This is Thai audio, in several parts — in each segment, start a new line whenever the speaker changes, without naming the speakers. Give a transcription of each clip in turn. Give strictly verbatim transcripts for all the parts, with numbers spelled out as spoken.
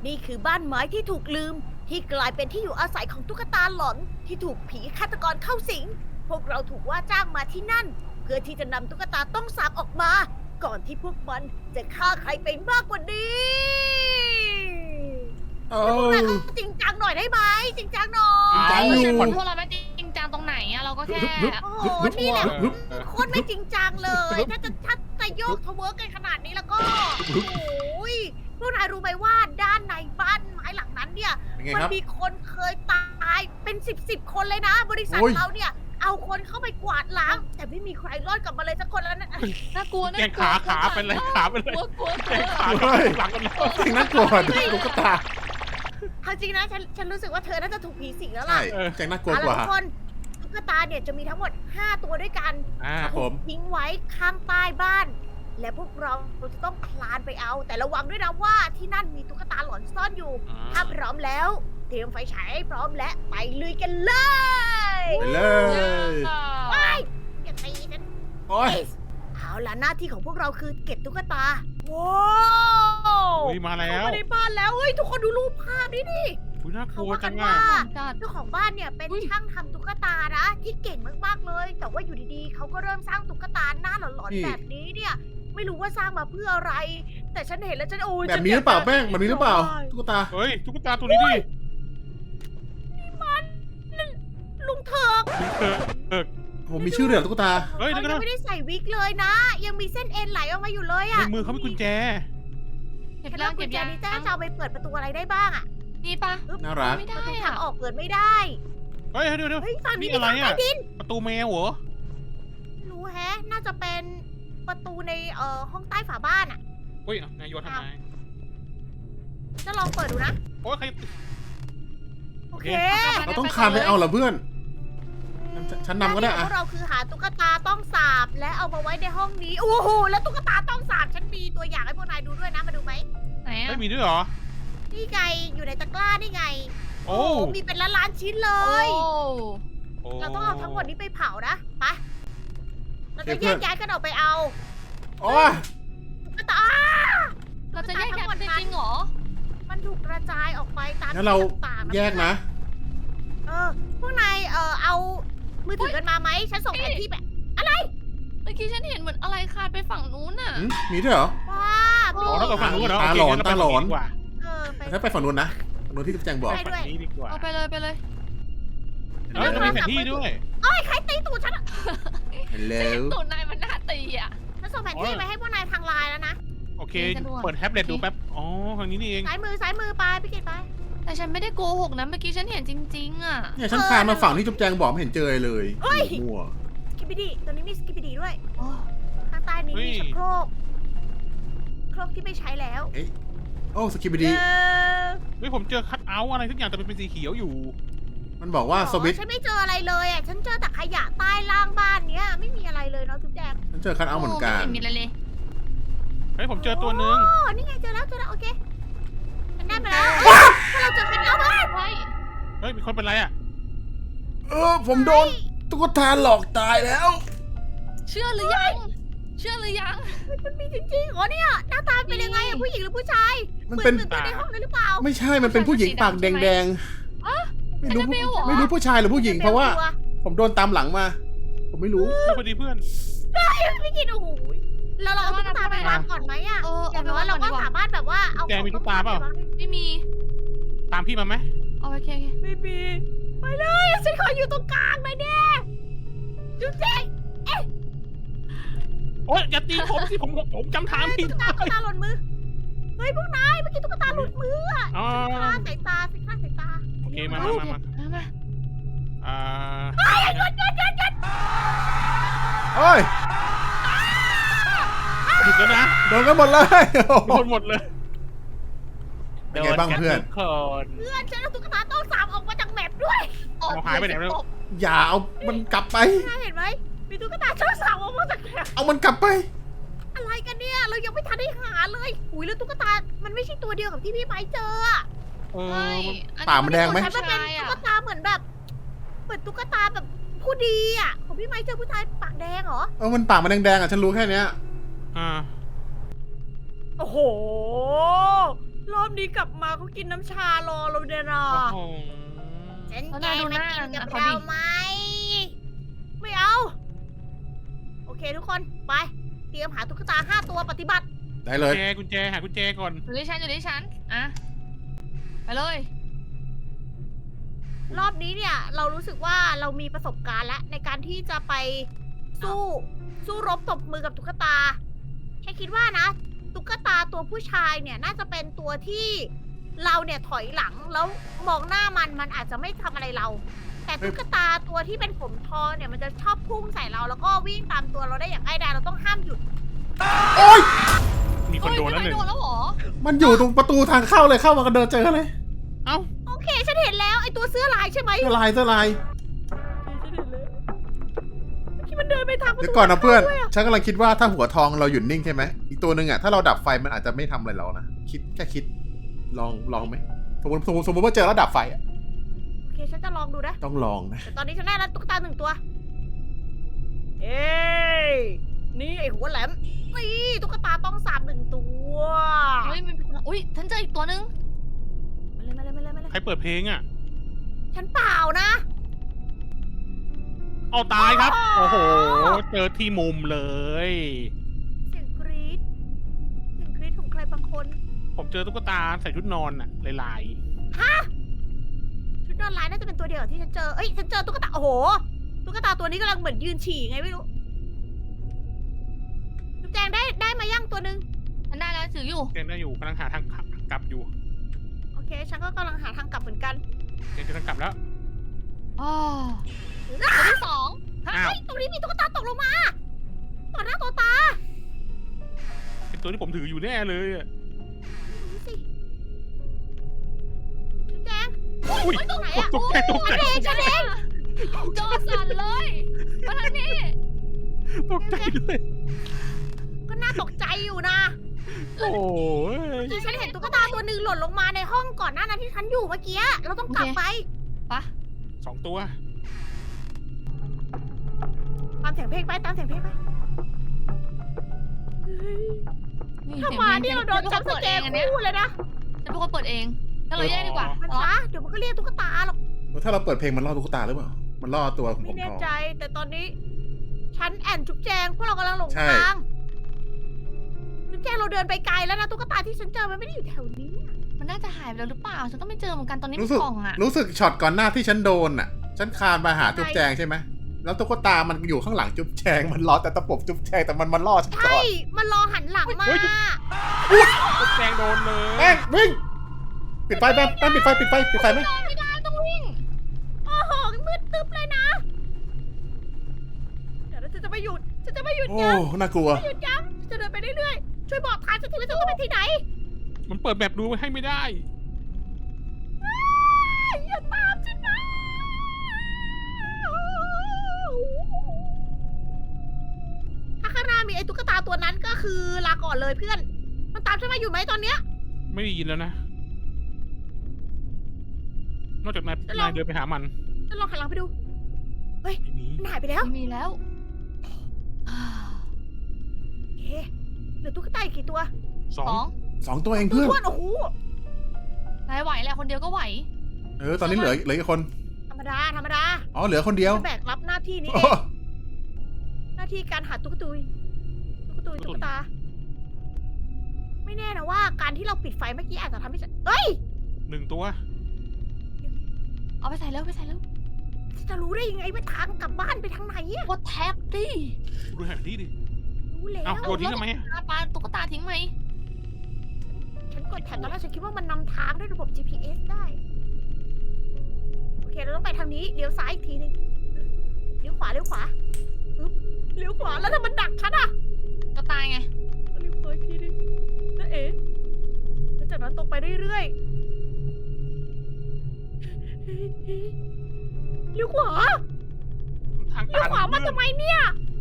นี่คือบ้านไม้ที่ถูกลืมที่กลายเป็นที่อยู่อาศัยของตุ๊กตาหลอนที่ถูกผีฆาตกรเข้าสิง พวกเราถูกว่าจ้างมาที่นั่น เพื่อที่จะนำตุ๊กตาต้องสาบออกมา ก่อนที่พวกมันจะฆ่าใครไปมากกว่านี้
โอ้
พวกนายก็จริงจังหน่อยได้ไหมจริงจังหน่อ
จริงจั
ย
งอยู่
ผลพวกเราไม่จริงจังตรงไหนอะเราก็แค่
โอ้โหนี่แหละโคตรไม่จริงจังเลย ถ้าจะถ้าจะโยกทะเวิร์กกันขนาดนี้แล้วก็โอ้ยพวกนายรู้ไหมว่าด้านในบ้านไม้หลังนั้นเนี่ย
เป็นไง
มัน
ครับ
มีคนเคยตายเป็นสิบสิบคนเลยนะ บริษัท
โอ้ย
เราเนี่ย เอาคนเข้าไปกวาดล้าง แต่ไม่มีใครรอดกลับมาเลยสักคนแล้วนะ
น่ากลัว
แก
น่าง กลัว
ขาขาเป็นไรขาเป็นไร
กลัวกลัวก
แก
ลัว
งขา
เฮ้ย
หลังกันแล้ว
จริงน่ากลัวกว่าตุ๊กตา
เอาจริงนะฉันฉันรู้สึกว่าเธอน่าจะถูกผีสิงแล้ว
ใช่
ล่ะ
แจงน่ากลัว
เอา
ก
ล่ะ
ว่า
ทุกคนตุ๊กตาเนี่ยจะมีทั้งหมดห้าตัวด้วยกัน
อ่า
ครับผม
ทิ้งไว้ข้างใต้บ้าน และพวกเราจะต้องคลานไปเอา แต่ระวังด้วยนะว่าที่นั่นมีตุ๊กตาหลอนซ่อนอยู่ ถ้าพร้อมแล้ว เตรียมไฟฉายให้พร้อมและไปลุยกันเลย
ไปเลย
ไปอย่าตีฉัน
โอ้ย
เอาล่ะหน้าที่ของพวกเราคือเก็บตุ๊กตาว้าว
อุ้ยมาแล้
เข้าว มาในบ้านแล้วเฮ้ยทุกคนดูรูปภาพนี้ดิ
อุ้ยน่าก
เขา
ลัว
ว่า
จั
กัน
ง
ว่า
อ่ะ
จัด
เจ้าของบ้านเนี่ยเป็น
อุ๊ย
ช่างทำตุ๊กตานะที่เก่งมากๆเลย แต่ว่าอยู่ดีๆเขาก็เริ่มสร้างตุ๊กตาหน้าหลอน
นี่
ๆแบบนี้เนี่ย ไม่รู้ว่าสร้างมาเพื่ออะไร แต่ฉันเห็นแล้วฉันโอ้ย
แบบนี้หรือเปล่าแป้งแบบนี้หรือเปล่าตุ๊กตา
เฮ้ยตุ๊กตาตัวนี้ดิ
ลุงเถิก
เออเออ
ผมมีชื่อเรือตุ๊กตา
เฮ้ย
เขา
เดี๋ยว
ยั
นะ
งไม่ได้ใส่วิกเลยนะ ยังมีเส้นเอ็นไหลออกมาอยู่เลย
ใน
อะ
มือเขามีกุญแจ
เก็บ
แล้
แล้ว ว
กุ
เก็
ญ
บ
แจ
ยัง
นี้จะจะเอาไปเปิดประตูอะไรได้บ้างอะ
นี่ปะ
น่ารัก
ไม่
ป
ได้
ระตู
อะ
ทางออกเปิดไม่ได้
เฮ้ยเดี๋ยวเดี๋ยว
เฮ้ยฝั่งนี้
นี่
มี
อะไร
ทาง
อะ
ใต้ดิน
ประตูแมวเหรอ
ไม่รู้แฮะ น่าจะเป็นประตูในเอ่อห้องใต้ฝาบ้านอะ
เฮ้ยนายโยนทำไม
จะลองเปิดดูนะ
โอ้ยใคร
โอเค
เราต้องคานไปเอาเหรอเพื่อน ฉันฉันนำก็ได้
หาที่ของพ
อะ
วกเราคือหาตุ๊กตาต้องสาบและเอามาไว้ในห้องนี้ โอ้โห แล้วตุ๊กตาต้องสาบฉันมีตัวอย่างให้พวกนายดูด้วยนะ มาดูไหม
ไหนอะ
เฮ้ยมีด้วยเหรอ
นี่ไง อยู่ในตะกร้านี่ไง
โอ้
มีเป็นล้านล้านๆชิ้นเล
โอ้
ย
โอ้
เราต้องเอาทั้งหมดนี้ไปเผานะ ไป เราจะ
เดี๋
แย
ยว
ก
เพื่อน
ย้ายกันออกไปเอา
โอ้ย
ตุ๊กตา
เราจะแยกกันจริงๆเหรอ
มันถูกกระจายออกไปตาม
งั้นเรา
ที่ต่างๆ
แยกนะ
เออ พวกนาย เออเอา มือถือกันมาไหม ฉันส่งแผนที่ไป
เมื่อกี้ฉันเห็นเหมือนอะไรคาดไปฝั่งนู้นน่ะ
หืมมีด้วยเหรอ
ว้า
โอ้
อ๋อถ้าเกิดฝั่งนู้นเหรอ
ตา
โเค
หลอน
งั้เรไป
ตาหลอน
ฝั่งดีกว่า
เออ ไป
ถ้าไปฝั่งนู้นนะฝั่งนู้นที่แจงบอก
ไป ด้วย
ฝั่งนี้ดีกว่า
เอาไปเลยไปเลย
เฮ้ยเรามีแผนที่ด้วย
เอ้ย ใครตีตูดฉันอะ
ฮัลโหล
ตูดนายมันน่าตีอ่ะ
ฉันส่งแผนที่ไปให้พวกนายทางไลน์แล้วนะ
โอเค
สะดวก
เปิดแท็บเล็ตดูแป๊บ อ๋อ ทางนี้นี่เอง
ซ้ายมือซ้ายมือไปพี่เกดไป
แต่ฉันไม่ได้โกหกนะเมื่อกี้ฉันเห็นจริงๆอ่ะ
เนี่ยฉันคานมาฝั่งที่จุ๊บแจงบอกไม่เห็นเจอเลย
เฮ้ย
มั่ว
สกิปปิดีตัวนี้มีสกิปปิดีด้วย
โอ้
ข้างใต้นี้
เฮ้ย
มีชักโครกโครกที่ไม่ใช้แล้ว
โอ้สกิปดี
เออ
เฮ้ยผมเจอคัทเอาท์อะไรทุกอย่างแต่เป็นสีเขียวอยู่
มันบอกว่าสวิตช์
ฉันไม่เจออะไรเลยอ่ะ ฉันเจอแต่ขยะใต้ล่างบ้านเนี้ย ไม่มีอะไรเลยเนาะทุกแจง
ฉันเจอคันเอาท์เหมือนกัน
ไม่เห็นมีอะไรเลย
เฮ้ยผมเจอตัวหนึ่ง
อ๋อนี่ไงเจอแล้วเจอแล้วโอเคฉันได้มาแล้วถ้าเราเจอคันเอาท์มา
ไว้
เฮ้ยมีคนเป็นไรอ่ะ
เออผมโดนตุ๊กตาหลอกตายแล้ว
เชื่อหรือยัง เชื่อหรือยัง
มันมีจริงๆเหรอเนี่ยหน้าตาเป็นยังไงอะผู้หญิงหรือผู้ชาย
มันเป็น
หมือตัวในห้องเลยหรือเปล่า
ไม่ใช่มันเป็นผู้หญิงปากแดง
อะ
ๆไม่รู้
อันนั้นเบลเหรอ
ไม่รู้ผู้ชายหรือผู้หญิงเพราะว่า
ตัว
ผมโดนตามหลังมา ผมไม่รู้
พอดีเพื่อน
ไม่กินโอ้โหเราเราเอาตุ๊กตาไปวางก่อนไหมอะ
เออ
อ
เอา
ย่าง
ไป
น้อ
วาย ง
เรา
ก่อน
ก็
ดีกว่า
สามารถแบบว่าเอา
แกมีตุ๊กตาเปล่า
ไม่มี
ตามพี่มาไหม
เอาไปโอเคโอเค
ไม่มีไปเลยฉันขออยู่ตรงกลางหน่อยเด้จุ๊บเจ๊ง
โอ๊ยอย่าตีผมสิผมผมจำทางผิด
ตุ๊กตาตุ๊กตาหล่นมือเฮ้ยพวกนายเมื่อกี้ตุ๊กตาหลุดมืออะ
อ๋อ
ฆ่าสายตาสิฆ่าสายตา
โอเคมามามามา
มามา
อ่า
โอ้ย
ผิดแล้วนะ
โดนกันหมดเลย
โดนหมดเลย
เป็นไงบ้างเพื่อน
โดกัทุกคน
เพื่อนฉันเอาตุ๊กตาต้องสามออกมาจากแมปด้วย
ออก
เอาหายไปไหนแล้ว
อย่าเอามันกลับไป
นายเห็นไหมมีตุ๊กตาช่องสามออกมาจากแมป
เอามันกลับไป
อะไรกันเนี่ยเรายังไม่ทันได้หาเลยอุ้ยแล้วตุ๊กตามันไม่ใช่ตัวเดียวกับที่พี่ไม้เจออะ
เอ
ใช่
อ
อั
ปากมันแดงไหม
ฉันมันเป็นตุ๊กตาเหมือนแบบเหมือนตุ๊กตาแบบผู้ดีอ่ะของพี่ไม้เจอผู้ชายปากแดงเหรอ
เออมันปากมันแดงๆอ่ะฉันรู้แค่เนี้ย
อ่า
โอ้โหรออบนี้กลับมาเขากินน้ำชารอเราเนี่ยนะ
โอ้โห
ฉัน
แล้ว
แก
นายดู
มา
หน้า
กินกับ
เขา
เรา
ดิ
ไหม ไม่เอา โอเคทุกคนไป เตรียมหาตุ๊กตาห้าตัวปฏิบัติ
ได้เล
กุ
ย
ญแจกุญแจหากุญแจก่อน
อยู่ที่ฉันอยู่ที่ฉันอ่ะไปเลย
รอบนี้เนี่ยเรารู้สึกว่าเรามีประสบการณ์แล้วในการที่จะไปสู้สู้รบตบมือกับตุ๊กตาแค่คิดว่านะ ตุ๊กตาตัวผู้ชายเนี่ยน่าจะเป็นตัวที่เราเนี่ยถอยหลังแล้วมองหน้ามันมันอาจจะไม่ทำอะไรเรา แต่ตุ๊กตาตัวที่เป็นผมทองเนี่ยมันจะชอบพุ่งใส่เราแล้วก็วิ่งตามตัวเราได้อย่างง่ายดายเราต้องห้ามหยุด
โอ๊ย
มีคนโดนแล้วหนึ่ง
โดนแล้วเหรอ
มันอยู่ตรงประตูทางเข้าเลยเข้ามาก็เดินเจอเลย
เอ้า
โอเคฉันเห็นแล้วไอตัวเสื้อลายใช่ไหม
เสื้อลายเสื้อลาย
ฉันเห็นแล้วที่มันเดินไปทางประตู
เดี๋ยวก่อนนะเพื่อน
ด้วยะ
ฉันกำลังคิดว่าถ้าหัวทองเราหยุดนิ่งใช่ไหมอีกตัวหนึ่งอ่ะถ้าเราดับไฟมันอาจจะไม่ทำอะไรเรานะคิดแค่คิด ลองลองไหมสมมติสมมติสมมติว่าเจอแล้วดับไฟอ่ะ
โอเคฉันจะลองดูนะ
ต้องลองนะ
แต่ตอนนี้ฉันได้แล้วตุ๊กตาหนึ่งตัว เอ้ยนี่ไอหัวแหลมนี่ตุ๊กตาต้องสาบหนึ่งตัว
เฮ้ยมันอุ้ยฉันเจออีกตัวนึง
มาเลยมาเลยมาเลยมาเลย
ใครเปิดเพลงอ่ะ
ฉันเปล่านะ
เอาตายครับ โอ้โห เจอที่มุมเลย
เสียงกรี๊ดเสียงกรี๊ดของใครบางคน
ผมเจอตุ๊กตาใส่ชุดนอนอ่ะลาย
ชุดนอนลายน่าจะเป็นตัวเดียวกับที่ฉันเจอ เอ้ย ฉันเจอตุ๊กตา โอ้โห ตุ๊กตาตัวนี้กำลังเหมือนยืนฉี่ไงไม่รู้จุ๊บแจงได้ได้มาย่างตัวหนึ่ง
ฉันได้แล้วถืออยู่
ๆเจนได้อยู่กำลังหาทางกลับอยู่
โอเค ฉันก็กำลังหาทางกลับเหมือนกัน
เจนจะทางกลับแล้ว
อ๋อตัวที่สอง
เฮ้
อ้าว
ยตรงนี้มีตุ๊กตาตกลงมา ต่อหน้าต่อตา
เป็นตัวที่ผมถืออยู่แน่เลยอะ
ดูสิจุ๊บแจง
อุ้ย
ตรงไหนอะ
ตกใจตกใจ
ฉันเองฉันเอง
จอสั่นเลยมาทางนี้
ตกใจเลย
ก็น่าตกใจอยู่นะ
โอ้ย
เมื่อกี้ฉันเห็นตุ๊กตาตัวหนึ่งหล่นลงมาในห้องก่อนหน้านั้นที่ฉันอยู่เมื่อกี้ เราต้องกลับไป
ปะ
สองตัว
ตามเสียงเพลงไป ตามเสียงเพลงไปเฮ้ย
นี่
ถ้า
เสียง
มา
เพลง
นี่เราโดน
ฉั
จั
น
บ
เป็น
ส
คน
เก
เปิดเอง
ล
อันเนี้ย
คู่เลยนะ
ฉันเป็นคนเปิดเองถ้าเราแยกดีกว่า
มัน
อ๋อ
ช้าเดี๋ยวมันก็เรียกตุ๊กตาหรอก
ถ้าเราเปิดเพลงมันล่อตุ๊กตาหรือเปล่า มันล่อตัวผม
ไม่แน่
ทอง
ใจ แต่ตอนนี้ ฉันแอนจุ๊บแจงพวกเรากำลังหลง
ใช่
ทางจุ๊บแจงเราเดินไปไกลแล้วนะตุ๊กตาที่ฉันเจอมันไม่ได้อยู่แถวนี้
มันน่าจะหายไปแล้วหรือเปล่า ฉันก็ไม่เจอเหมือนกันตอนนี้
รู้
มี
สึก
กล่องอ่ะ
รู้สึกช็อตก่อนหน้าที่ฉันโดนอ่ะ ฉันคานมาหาจุ๊บแจงใช่ไหมแล้วตุ๊กตามันอยู่ข้างหลังจุ๊บแจงมันรอแต่ตะปบจุ๊บแจงแต่มันมันล่อฉันก่
ใช่
อน
มันรอหันหลังมา
ตุ๊กแจงโดนเลย
แป้งวิ่งปิดไฟแป้งแป้งปิดไฟปิดไฟปิดไฟไหม
ไม่ได้ต้องวิ่ง
โอ้โหมืดตึ๊บเลยนะ เดี๋ยวนะฉันจะไม่หยุด ฉันจะไม่หยุด
โอ้
ยั้ง
น่ากลัว
ไม่หยุดยั้งจะเดินไปเรื่อยๆ ช่วยบอกทางฉันทีว่าฉันจะไปที่ไหน
มันเปิดแบบดูให้ไม่ได้
อย่าตามฉันนะถ้าข้างหน้ามีไอ้ตุ๊กตาตัวนั้นก็คือลาก่อนเลยเพื่อน มันตามฉันมาอยู่ไหมตอนเนี้ย
ไม่ได้ยินแล้วนะ นอกจากนาย
จะลอง
นายเดินไปหามัน
ฉันลองหันหลังไปดู
ไม่มี
มันหายไปแล้ว
ไม่มีแล้วอ่า
เอ๊ะเหลือตุ๊กตาอีกกี่ตัว
สอ
สอง ง
สองตัวเอง
ตัว
เพื่อน
ทวนโอ้โห
นายไหวแหละคนเดียวก็ไหว
เออตอนนี้เหลือเหลืออีกคน
ธรรมดา ธรรมดา
อ๋อเหลือคนเดียว
ฉันแบกรับหน้าที่นี้เอ
โอ้
ง หน้าที่การหาตุ๊กตุย ตุ๊กตุยตุ๊กตา ไม่แน่นะว่าการที่เราปิดไฟเมื่อกี้อาจจะทำให้ฉันเอ้ย
หนึ่งตัว
เอาไปใส่แล้วไปใส่แล้ว
ฉันจะรู้ได้ยังไงว่าทางกลับบ้านไปทางไหนอะ
กดแท็บดิ
ดูแผนที่ดิ
รู้แล้ว
เอ้าโดนทิ้งทำไมอะ
ปาปาตุ๊กตาทิ้งไหม
ฉันกดแถบตอนแรกฉันคิดว่ามันนำทางด้วยระบบ จี พี เอส ได้ โอเคเราต้องไปทางนี้เลี้ยวซ้ายอีกทีนึงเลี้ยวขวาเลี้ยวขวาอึ๊บเลี้ยวขวาแล้วถ้ามันดักฉันอะ
ก็ตายไง
เลี้ยวขวาอีกทีนึงแล้วเอ๋แล้วจากนั้นตรงไปเรื่อยๆเลี้ยวขวา
ทาง
เลี้ยว
ตัน
ขวามาทำไมเนี่ย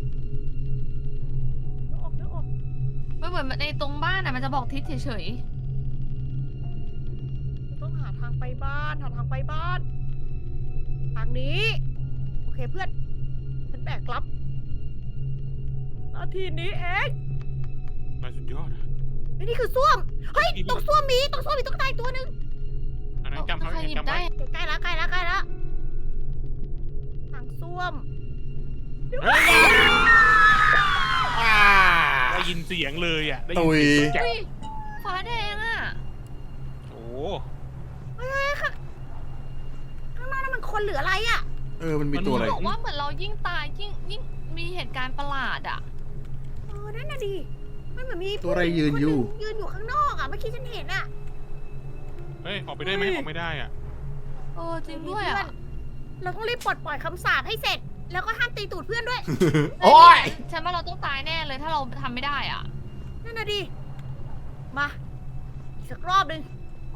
เลี้ยวออกเลี้ยวออก
ไม่เหมือนในตรงบ้านอ่ะมันจะบอกทิศเฉย
ต้องหาทางไปบ้านหาทางไปบ้าน ทางนี้ โอเคเพื่อน ฉันแบกรับหน้าที่นี้เอง
นายสุดยอดอะ
เฮ้ยนี่คือส้วม เฮ้ยตรงส้วมมีตรงส้วมมีตุ๊กตาอีกตัวหนึ่ง
อันนั้นจำ
ใคร
ไว้
หยิบ
จำ
ได้
ไว้
ใกล้แล้วใกล้แล้วใกล้แล้วทางส้วม
เฮ้ยอ่าได้ยินเสียงเลยอ่ะได้ยิน
ตุย
เสียงแจ๊ะ
เฮ้ยฟ้าแดงอ่ะ
โอ้
เฮ้ยค่ะข้างหน้านั่นมันคนหรืออะไรอ่ะ
เออมันมีตัวอะไร
บอกว่าเหมือนเรายิ่งตายยิ่งยิ่งมีเหตุการณ์ประหลาดอ่ะ
เออนั่นน่ะดิมันเหมือนมี
ตัวอะไรยืนอยู่
ผู้หญิงคนหนึ่งยืนอยู่ข้างนอกอ่ะเมื่อกี้ฉันเห็นอ่ะ
เฮ้ยออกไปได้ไหมออกไม่ได้อ่ะ
เออจริงด้วย
เพื่
อ่ะ
นเราต้องรีบปลดปล่อยคำสาปให้เสร็จ แล้วก็ห้ามตีตูดเพื่อนด้วย
โอ้ย
ฉันว่าเราต้องตายแน่เลยถ้าเราทำไม่ได้อ่ะ
นั่นน่ะดิ มาอีกสักรอบหนึ่ง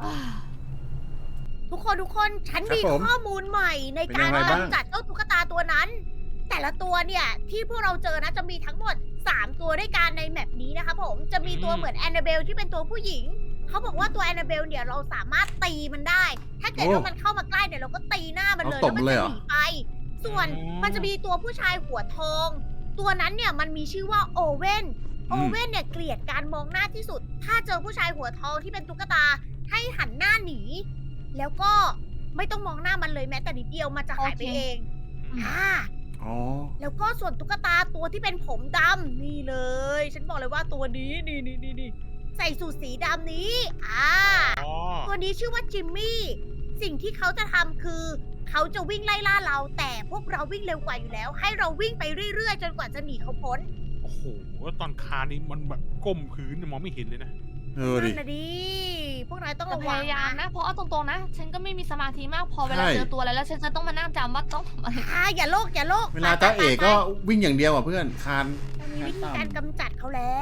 ทุกคนทุกคนฉัน
ครับ
มี
ผม
ข้อมูลใหม่ใน
เป็น
การ
ยังไงบ้าง
กำจัดเจ้าตุ๊กตาตัวนั้น แต่ละตัวเนี่ย ที่พวกเราเจอนะจะมีทั้งหมดสามตัวด้วยกันในแมปนี้นะคะผมจะมีตัว
อืม
เหมือนแอนนาเบลที่เป็นตัวผู้หญิง เขาบอกว่าตัวแอนนาเบลเนี่ยเราสามารถตีมันได้ ถ้าเกิดว่ามันเข้ามาใกล้เนี่ยเราก็ตีหน้ามันเลย
เอาต
แล้ว
บ
มัน
เลย
จะ
เหรอ
หนีไป ส่วนมันจะมีตัวผู้ชายหัวทอง ตัวนั้นเนี่ยมันมีชื่อว่าโอเว่น โอเว่นเนี่ยเกลียดการมองหน้าที่สุด ถ้าเจอผู้ชายหัวทองที่เป็นตุ๊กตาให้หันหน้าหนี แล้วก็ไม่ต้องมองหน้ามันเลยแม้แต่นิดเดียวมันจะหายไป
โอเค
เองอ่า
อ๋อ
แล้วก็ส่วนตุ๊กตาตัวที่เป็นผมดำนี่เลย ฉันบอกเลยว่าตัวนี้นี่นี่นี่นี่ใส่สูทสีดำนี้ อ่า
อ๋อ
ตัวนี้ชื่อว่าจิมมี่ สิ่งที่เขาจะทำคือ เขาจะวิ่งไล่ล่าเรา แต่พวกเราวิ่งเร็วกว่าอยู่แล้ว ให้เราวิ่งไปเรื่อยๆ จนกว่าจะหนีเขาพ้น
โอ้โหตอนคานนี่มันแบบก้มพื้นมองไม่เห็นเลยนะ
เออดิ
นั่นนะดิ พวกนายต้อง
แต่
ระ
พ
วัง
ยายาม
นะ
นะ เพราะเอาตรงๆนะ ฉันก็ไม่มีสมาธิมากพอเวลา
ใช่
เจอตัวอะไรแล้วฉันจะต้องมานั่งจำว่าต้องทำอะไร
อ่าอย่าโลกอย่าโลก
เวลาจ้าเอกก็วิ่งอย่างเดียวอ่ะเพื่อนคาน
เรามีวิธีการกำจัดเขาแล้ว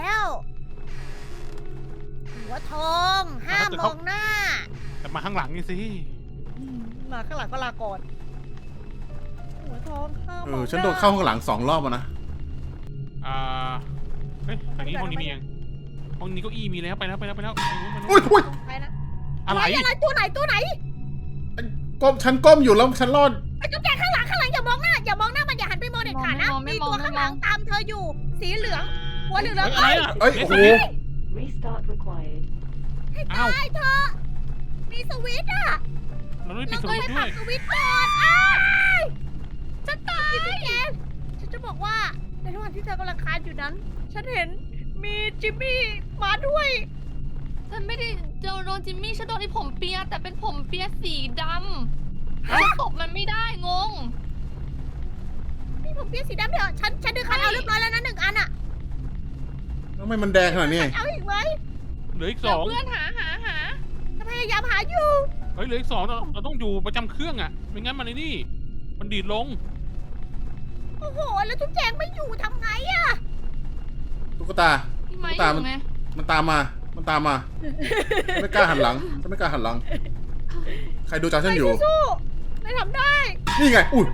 หัวทองห้ามมองหน้า
แต่มาข้างหลังนี่สิ
มาข้างหลังก็ลาก่อน หัวทองห้าม
เอ
มอง
อ
หน้า
ฉันโดนเข้าข้างหลังสองรอบอ่ะนะ
อ่าเฮ้ยทางนี้ห้องนี้มีเองห้องนี้เก้าอี้มีแล้วไปแล้วไปแล้วไปแล้วไปนู้นไปนู้น
อุ้ยอุ้ย
ไปนะ
อะไร
อะไรตัวไหนตัวไหน
ก้มฉันก้มอยู่แล้วฉันรอด
ไอ้จุ๊บแจงข้างหลังข้างหลังอย่ามองหน้าอย่ามองหน้ามันอย่าหันไปมองเด็ดขาดนะ
ไม่
มี
มอง
ตัว
ไม่มอง
ข้างหลังตามเธออยู่ สีเหลือง หัวเหลือง
เฮ้ยอะไร
เอ้ย
อ่ะ
เอ้ยโอ้โห
Restart required.
ให้
อ้าว
ตายเธอะมีสวิตช์อ่ะ
เราไม่ปิ
เรา
ดส
ต้อง
วิต
ไป
ช์ด้
ปั
วย
กสวิตช์ก่อนอ้ายจะตายจุ๊บแจงฉันจะบอกว่าในระหว่างที่เธอกำลังคานอยู่นั้น ฉันเห็นมีจิมมี่มาด้วย
ฉันไม่ได้เจอโดนจิมมี่ฉันโดนไอ้ผมเปียแต่เป็นผมเปียสีดำแล้วตบมันไม่ได้งง
นี่ผมเปียกสีดำเถอะฉันฉันดึงคันเอาเรียบร้อยแล้วนะหนึ่งอันอะ
ทำไมมันแดงขนาดนี้
เอาอีกไหม
เหลืออีกส
เดี๋ย
อ
ว
ง
เพื่อนหาหาหา
จะพยายามหาอยู่
เฮ้ยเหลืออีกสองเราเราต้องอยู่ประจำเครื่องอ่ะไม่งั้นมันไอ้นี่ มันดีดลง
โอ้โห แล้วจุ๊บแจงไม่อยู่ทำไงอะ
ตุ๊กตา
พี่ไม้
ตาม
อ
มัน
ยู่ไง
มันตามมา มันตามมาฉันไม่กล้าหันหลังฉันไม่กล้าหันหลัง ใครดูจอฉันอยู่
ไปสู้ๆไม่ทำได้
นี่ไง อุ้ย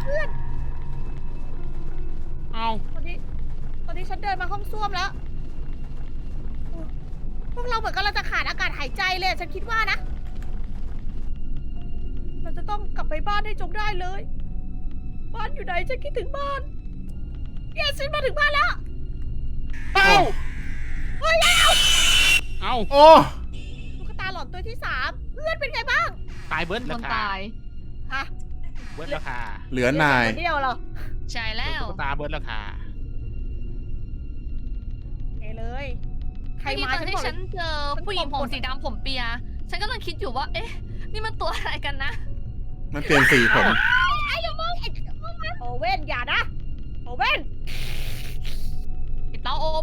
เอา
ตอนนี้ ตอนนี้ฉันเดินมาห้องส้วมแล้วโอ้พวกเราเหมือนกับเราจะขาดอากาศหายใจเลยอะฉันคิดว่านะ เราจะต้องกลับไปบ้านให้จงได้เลย บ้านอยู่ไหนฉันคิดถึงบ้านเย้ฉันมาถึงบ้านแล้ว
เอา
เฮ้ยแล้ว
เอา
โอ้
ตุ๊กตาหลอนตัวที่สามเพื่อนเป็นไงบ้าง
ตายเบิร์ด
ค
แล้ว
น
ค่ะ
ตาย
ฮะ
เบิร์ดแล้วค่ะ
เหลือนาย
คนเดียวเหรอ
ใช่แล้ว
ตุ๊กตาเบิร์ดแล้วค่ะ
เอเลย ใคร
เมื่อกี้
มา
ตอน
ฉัน
ที่
บอก
ฉันเจอผู้หญิงผมสีดำผมเปีย ฉันก็กำลังคิดอยู่ว่า เอ๊ะ นี่มันตัวอะไรกันนะ
มันเปลี่ยนสีผม
ไอ้อย่ามองไอ้โอเว่นอย่านะ โอเว่น
ปิดเตาอบ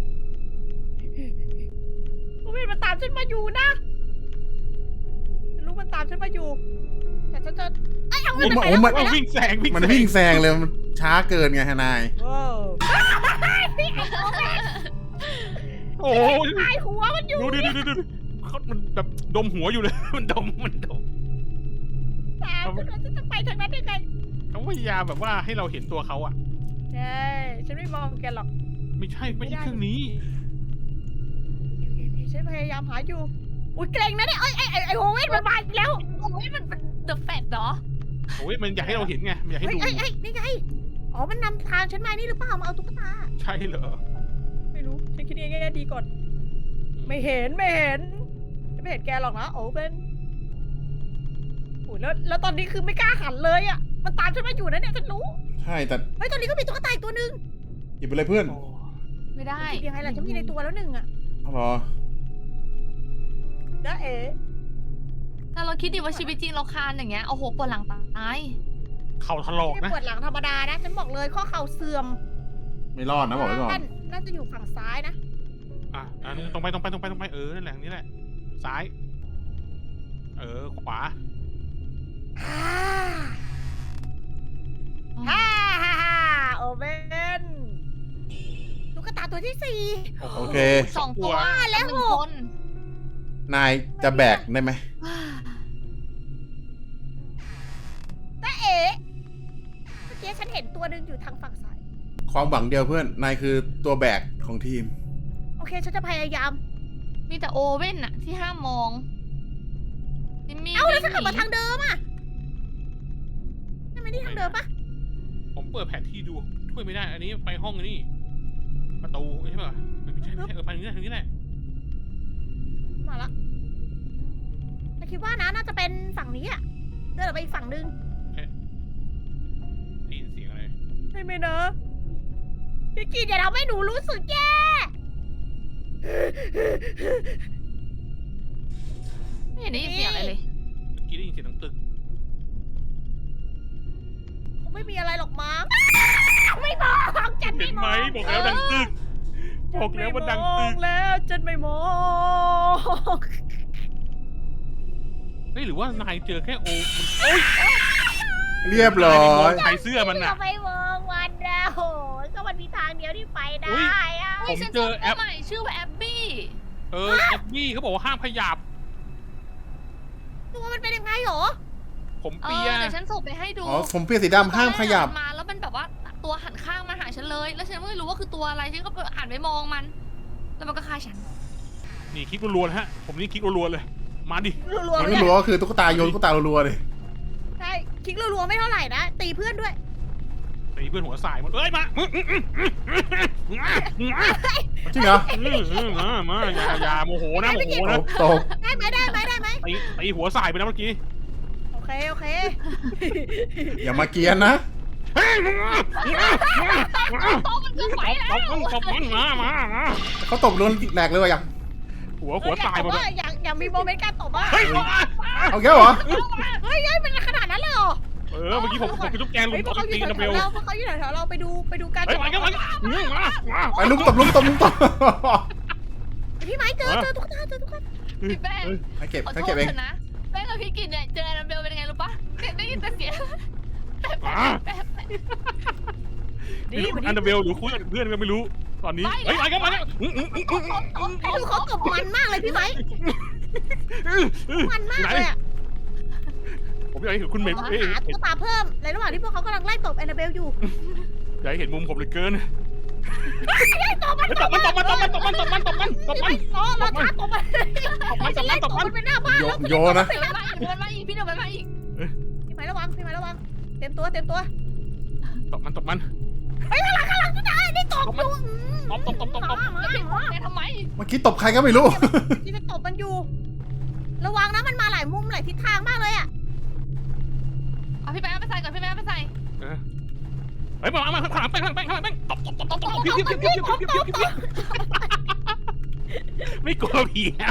โอเว่นมันตามฉันมาอยู่นะฉันรู้มันตามฉันมาอยู่ แต่ฉันจะไอ้เอา
โอ้
เว่น
มัน
ไป
โอ้
แล้ว
มัน
วิ่งแซงวิ่ง
มันวิ่งแซงเลย มันช้าเกินไงฮะนาย
โอ้พี่ไอ้โอเว่น
โอ้ย
ตายหัวมันอยู่
ดูดิดูดิดูดิเขามันแบบดมหัวอยู่เลย มันดมมันดม
ตามฉันแล้วฉันจะไปทางนั้นได้ไง
เขาพยายามแบบว่าให้เราเห็นตัวเขาอะ
ใช่ฉันไม่มองแกหรอก
ไม่ใช่ไม่ใช่เครื่องนี้
โอเคโอเคฉันพยายามหาอยู่ อุ้ยเกรงนะเนี่ยไอ้ไอ้ไอ้ไอ้โอเว่นมันมาอีกแล้ว
โอ้ยมันเป็นเดอะแฟตเหรอ
โอ้ยมันอยากให้เราเห็นไงมันอยากให้
เฮ้ย
ดู
เฮ้ยเฮ้ยนี่ไง อ๋อ มันนำทางฉันมานี่หรือเปล่า มาเอาตุ๊กตา
ใช่เหรอ
ไม่รู้ ฉันคิดเองแง่ดีก่อน
อื
ไม่เห็นไม่เห็นไม่เห็นแกหรอกนะโอเว่นโอ้ยแล้วแล้วตอนนี้คือไม่กล้าหันเลยอ่ะมันตามฉันมาอยู่นะเนี่ยฉันรู้
ใช่แต่
เฮ้ยตอนนี้ก็มีตุ๊กตาอีกตัวหนึง
หยิบไปเลยเพื่อน
โอ้
ไม่ได้
คิดยังไงล่ะฉันมีในตัวแล้วหนึ่งอ่ะ
เอาเหรอ
นะเอ๋
ถ้าเราคิดดีว่าชีวิตจริงเราคานอย่างเงี้ยโอ้โหปวดหลังตาย
เข่าถลอก
ไม่
นะ
ปวดหลังธรรมดานะฉันบอกเลยข้อเข่าเสื่อม
ไม่รอดนะบอกไว้ก่อน
น่าน่าจะอยู่ฝั่งซ้ายนะ
อ่ะอันนี้ตรงไปตรงไปตรงไปตรงไปเออนั่นแหละนี่แหละซ้าย เออขวา
ฮ่าฮ่าฮ่าฮ่าโอเว่นตุ๊กตาตัวที่สี่
โอเค
สองตัว
แล้ว
หนึ่ง
หก
คน
นายจะแบกได้ไหม
นะเอ๋เมื่อกี้ฉันเห็นตัวหนึ่งอยู่ทางฝั่งซ้าย
ความหวังเดียวเพื่อน นายคือตัวแบกของทีม
โอเคฉันจะพยายาม
มีแต่โอเว่นอะที่ห้ามมองจิมมี่
เอ้าแล้วฉันกลับมา
วิ่งห
ทางเดิมอ่ะนั่นไม่ได้ทางเดิมปะ
ผมเปิดแผนที่ดูช่วยไม่ได้ อันนี้ไปห้องนี่ประตูใช่ป่ะไม่ใช่ไม่ใช่เออไปทางนี้แหละทางนี้แหละ
มาละแต่คิดว่านะน่าจะเป็นฝั่งนี้อ่ะเดินออกไปอีกฝั่งหนึง
ได้ยินเสียงอะไร
ใช่ไหมเนอะพี่กีดอย่าทำให้หนูรู้สึกแย่
ไม่เห็นได้ยินเสียงอะไรเลย
เมื่อกี้ได้ยินเสียงดังตึก
คงไม่มีอะไรหรอกมั้งอ้าวไม่มองจัน
เห็
ไม่
น
ม
ไหม
อง
บอกแล้วดังตึก บอกแล้วว่าดังตึก
จันไม่มองแล้วจันไม่มอง
เฮ้ยหรือว่านายเจอแค่โอมันโอ๊ย
เรียบร้อย
ใส่เสื้อมัน
อย่า
น่ะ
ไปมองมันนะโหก็มันมีทางเดียวที่ไปได้
อุ๊ย
อะ
ผม
ฉัน
เจอแอป
ใหม่ชื่อว่าแอปบี้
เออแอปบี้เขาบอกว่าห้ามขยับ
ตัวมันเป็นยังไงหรอ
ผม
เอ
เปี
อย เดี๋ยวฉันส่งไปให้ดู
อ๋อ ผมเปลี่ยนสีดำห้ามขยับ
ตอนแรกมันมาแล้วมันแบบว่าตัวหันข้างมาหาฉันเลย แล้วฉันไม่รู้ว่าคือตัวอะไรฉันก็หันไปมองมัน แล้วมันก็ฆ่าฉัน
นี่คลิกรัวๆนะฮะ ผมนี่คลิกรัวๆเลย มาดิ
รัวๆ
มัน
เล
ไม่
ย
รู้ว่าคือตุ๊กตาโยนตุ๊กตารัวๆเลย
ใช่คลิกรัวๆไม่เท่าไหร่นะ ตีเพื่อนด้วย
ตีเพื่อนหัวสายหมดเอ้ยมา
จริงเหรอ
มามาอย่าอย่าโมโหนะโมโห
ต
นะ
กตก
ได้ไหมได้ไหมได้ไหม
ตีตีหัวสายไปนะเมื่อกี้
โอเคโอเค
อย่ามาเกรียนนะ
โต๊ะมันก็ไหวแล้ว
ตบมันตบมันมามามา
เขาตบโดนแหลกเลยว่ะยัง
หัวหัวตายหมด
เล
เลย
ยอยากอยากมีโมเมนต์การตบว่า
เฮ้ย
เอาแก้วเหรอ
เฮ้ยเฮ้ยมันขนาดนั้นเลยเหรอ
เออเมื่อกี้ผมผมเป็นลูกแกงลุ
เฮ้ย
ม
พ
ต
ว
บ
กเขาอ
ตี
ยู่
กัน
แถ
เร็
ว
ว
ๆเราพวกเขาอยู่แถวๆเราไปดูไปดูการ
เฮ้ยมากันมากันมามา
ไปลุมตบลุมตบลุมตบ
พี่ไม้เจอเจอตุ๊กตาเจอตุ๊กตา
พี่แป้ง
ให้เก็บ
ขอ
ให้
โท
เก็
ษ
บเอง
เถอะนะแป้งกับพี่กินเนี่ยเจอแอนนาเบลเป็นยังไงรู้ปะเนี่ยได้ยินแต่เสียงแป๊บแป๊บแป๊บแป๊บ
ไม่รู้อันเดอร์เบลหรือคุยกับเพื่อนก็ไม่รู้ ตอนนี้ เฮ้ยมากันมากัน
ดูเขาตบมันมากเลยพี่ไม้มันมากเลยอ่ะ
ผมอยากเห็นคุณเมย์
เรา
เอ้ย
หาตุ๊กตาเพิ่มในระหว่างที่พวกเขากำลังไล่ตบแอนนาเบลอยู่
อยากเห็นมุมผมเลยเกิน
ตบมัน
ตบมันตบมันตบมันตบมันตบมันตบมันตบมัน
ล้อเราท้าตบมัน
ตบมันตบ
ไล่
มัน
ต
ต
บบ มั
มัน น
ไปหน้าบ้าน
โย
แล้ว
โยนะ
เดี๋ยวมันมาอีกเดี๋ยวมันมาอีกพี่เดี๋ยวมันมาอีก
พี่ไม้ระวังพี่ไม้ระวังเต็มตัวเต็มตัว
ตบมันตบมัน
เฮ้ยข้างหลังข้างหลังตุ๊กตาได้ตบอยู่
ตบตบตบตบตบ
มามา
แล้วพี่
มา
แกทำไม
เมื่อกี้ตบใครก็ไม่รู้
ที่จะตบมันอยู่ ระวังนะมันมาหลายมุมหลายทิศทางมากเลยอ่ะ
เอาพี่แป้งเอาไปใส่ก่อนพี่แป้งเอาไปใส่
เฮ้ยมามาข้างหลังแป้งข้างหลังแป้งข้างหลังแป้งตบตบตบตบตบพิ้วพิ้วพิ้วพิ้วพิ้วพิ้วพิ้วไม่กลัวผีแล้ว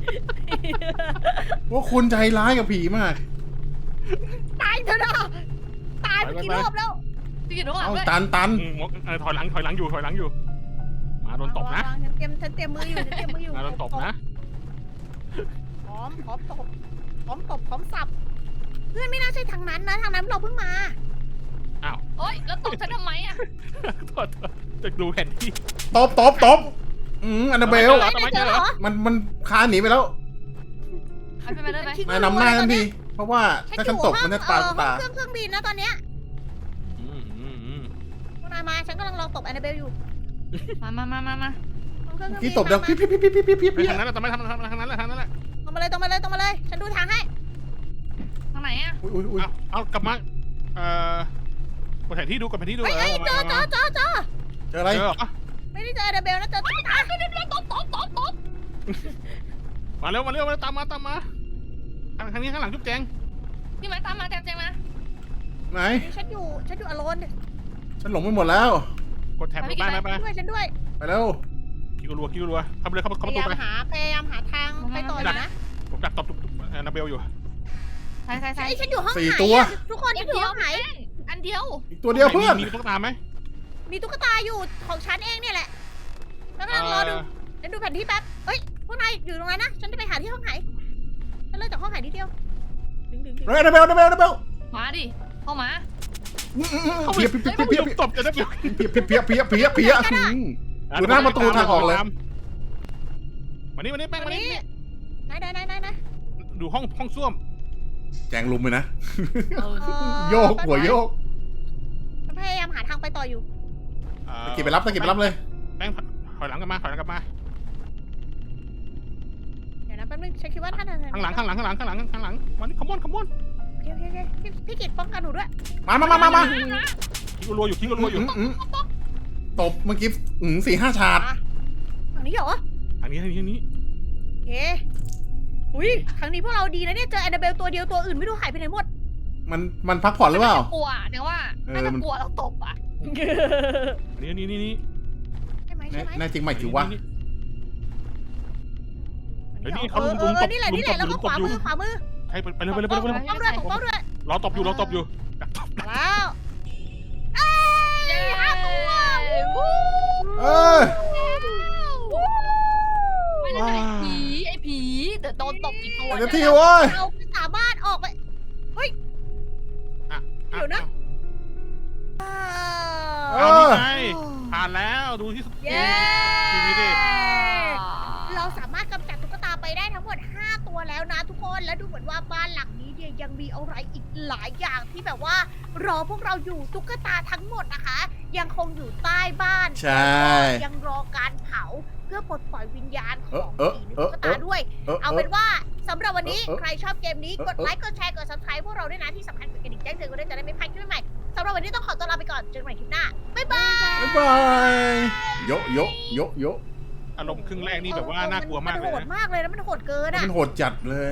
ว่าคุณใจร้ายกับผีมาก
ตายเถอะนะตายไปกี่รอบแล้ว
พี่กินทุกหลัง
เอา
ด้วย
ตันตัน
ถอยหลังถอยหลังอยู่ถอยหลังอยู่ มาโดนตบนะ
ระวังฉันเตรียมฉันเตรียมมืออยู่ฉันเตรียมมืออยู่
มาโดนตบนะ
พร้อมพร้อมตบพร้อมตบพร้อมสับ เพื่อนไม่น่าใช่ทางนั้นนะทางนั้นเราเพิ่งมา
โอ๊ยแล้วตบฉันทำไมอ่ะ
โทษจะดูแผนที่
ตบตบตบอืมอันนาเบล
เหรอทำไมเจอเหรอ
มันมันคานหนีไปแล้ว
เอาไปไปเลยไหม
นายนำหน้าทันที เพราะว่าถ้าฉันตบมันจะตา
เออ
ตา
ห้องเครื่องเครื่องบินนะตอนเนี้ย
อืมอืมอืม
พวกนายมาฉันกำลังลองตบแอนนาเบลอยู่
มามามามามา
ห้องเครื่องเครื่องบิ
ที่
น
ตบดัง
มา
พี่พี่พี่พี่พี่พี่
ไป
พี่
ทางนั้นแหละทำไมทำทางนั้นแหละทางนั้นแหละ
ตรงมาเลยตรงมาเลยตรงมาเลย ฉันดูทางให้
ทางไหนอ่ะ
อุ้ยอุ้ยอุ้ย
เอาเอากลับมา เอ่อกดแผนที่ดูกดแผนที่ดู
เฮ้ยเฮ้ยเจอเจอเจอเจอ
เจออะไร
เจอเหรอ
ไม่ได้เจอแอนนาเบลนะเจอตุ๊กตา
เดี๋ยวเดี๋ยวตบตบตบตบ
มาเร็วมาเร็วมาเร็วตามมาตามมาทางทางนี้ข้างหลังจุ๊บแจง
พี่ไม้ตามมาแจงแจงมา
ไหน
นี่ฉันอยู่ฉันอยู่อโลน
ฉันหลงไปหมดแล้ว
กดแท็บลงไปไปไป
ด้วยฉันด้วย
ไปแล้ว
คิวรัวคิวรัวเข้าไปเลยเข้า
พ
เข้าประ
ยา
ตู
ยาม
ไป
หาพยายามหาทางไปต่ออยู่นะ
ผมดักตบนาเบลอยู่
ใช่ใช่ใช่
ไอ้ยฉันอยู่ห้อง
สี่
ไหน
ตัว
อะทุกคนฉันอยู่ห้องไหน
อันเดียว
อีกตัวเดียวเพื่อน
มีตุ๊กตาไหม
มีตุ๊กตาอยู่ของฉันเองเนี่ยแหละแล้วกำลังรอดูฉันดูแผนที่แป๊บเฮ้ยพวกนายอยู่ตรงนั้นนะฉันจะไปหาที่ห้องไหนฉันเลิกจากห้องไหนนิดเดียวดึงดึงดึง
เฮ้ยนาเบลนาเบลนาเบล
มาดิเข้ามา
เพียบเพียบเพียบเพียบ
ตบจะได้เปรียบ
เพียบเพียบเพียบเพียบเพียบเพียบอยู่หน้าประตูทางออกเลย
มานี่มานี่แป้ง
วั
มาน นี่
นี้ไหนไหนไหนไหนไหน
ดูห้องห้องส้วม
แจงลุมเลยนะ
เออ
เอ่อ
โยกหัวโยก
ฉันพยายามหาทางไปต่ออยู่
ตะกี้ไปรับตะกี้ไปรับเลย
แป้งถอยหลังกลับมาถอยหลังกลับมา
เดี๋ยวนะแป๊บนึงฉันคิดว่าท่าน
ข้างหลังข้างหลังข้างหลังข้างหลังข้างหลังมานี่ขมอนขมอน
โอเคโอเคโอเคพี่พี่กิตป้องกันหนูด้วย
มามามามามา
ทิ้งรัวอยู่ทิ้งรัวอยู่
อืมตบเมื่อกี้อืมสี่ห้าชาร์ด
อ่ะฝั่งนี้เหรอ
ทางนี้ทางนี้ทางนี้
โอเคอุ้ยครั้งนี้พวกเราดีนะเนี่ยเจอแอนนาเบลตัวเดียวตัวอื่นไม่รู้หายไปไหนหมด
มันมันพักผ่อนหรือเปล่า
กลัวเนี่ยว่า
เออ
น่าจะ
มัน
กลัวเราตบอ่ะ
นี่นี่นี่นี่
ใช่ไหมใช่ไหม
แน่จริงไหมจิ๋ววะ
เดี๋ยวนี่
เอ
เขา
อ
ลุม
เอ
ลุม
อ
ตบ
นี่แหละ
ลุม
นี่แห
ต
ละ
บ
แล้ว
ลุ
ก็
ม
ข
ตบ
วา
อยู่
มือขวามือ
ใช่ไปไปเร็วไปเร็วไปเร็วไปเร็ว
ป้องด้วยป้องด้วย
รอตบอยู่รอตบอยู่
แล้วเอ้ยห้าตัว
เออ
ไม่ได้ไอ้ผีไอ้ผีเดี๋ยวโดนตบอีกตัว
เดี๋ยวทีเว้ย
เราไม่สามารถออกไป เดี๋ยวนะ
เอ
เอานี่
อ
ไงผ่านแล้วดูที่
เย้
ทีวีดิ
เราสามารถกำจัดตุ๊กตาไปได้ทั้งหมดห้าตัวแล้วนะทุกคน และดูเหมือนว่าบ้านหลังนี้เนี่ยยังมีอะไรอีกหลายอย่างที่แบบว่า รอพวกเราอยู่ตุ๊กตาทั้งหมดนะคะ ยังคงอยู่ใต้บ้าน
ใช่
แล้วก็ยังรอการเผาเพื่อปลดปล่อยวิญญาณของ
เออ
ผีใน
เออ
ตุ๊ก
เอ
ตา
อ
ด้วย
เออ
เอา
เอ
เป็
อน
ว่าสำหรับวันนี้
เออเออ
ใครชอบเกมนี้
เออก
ดไลค์กดแชร์กด subscribe พวกเราด้วยนะที่สำคัญกดกระดิ่งแจ้งเตือนกันด้วยจะได้ไม่พลาดคลิปใหม่ๆสำหรับวันนี้ต้องขอตัวลาไปก่อนเจอกันใหม่คลิปหน้าบ๊ายบาย
บ๊ายบายโยโยโยโย
อารมณ์ครึ่งแรกนี่แบบว่าน่ากลัวมาก
มัน
เลย
โหด
นะ
มากเลยนะมันโหดเกินอะ
มันโหดจัดเลย